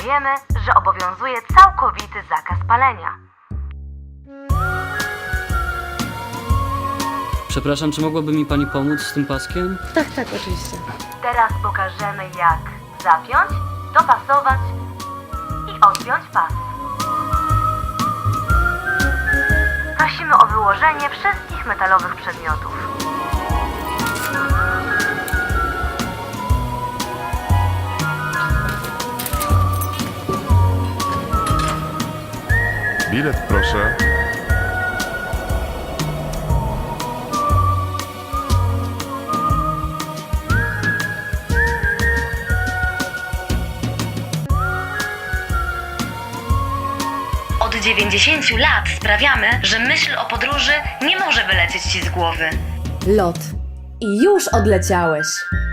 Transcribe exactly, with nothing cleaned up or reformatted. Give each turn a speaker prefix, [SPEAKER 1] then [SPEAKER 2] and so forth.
[SPEAKER 1] informujemy, że obowiązuje całkowity zakaz palenia.
[SPEAKER 2] Przepraszam, czy mogłaby mi pani pomóc z tym paskiem?
[SPEAKER 3] Tak, tak, oczywiście.
[SPEAKER 1] Teraz pokażemy, jak zapiąć, dopasować i odpiąć pas. Prosimy o wyłożenie wszystkich metalowych przedmiotów.
[SPEAKER 4] Bilet proszę.
[SPEAKER 1] Od dziewięćdziesięciu lat sprawiamy, że myśl o podróży nie może wylecieć Ci z głowy.
[SPEAKER 3] Lot. I już odleciałeś.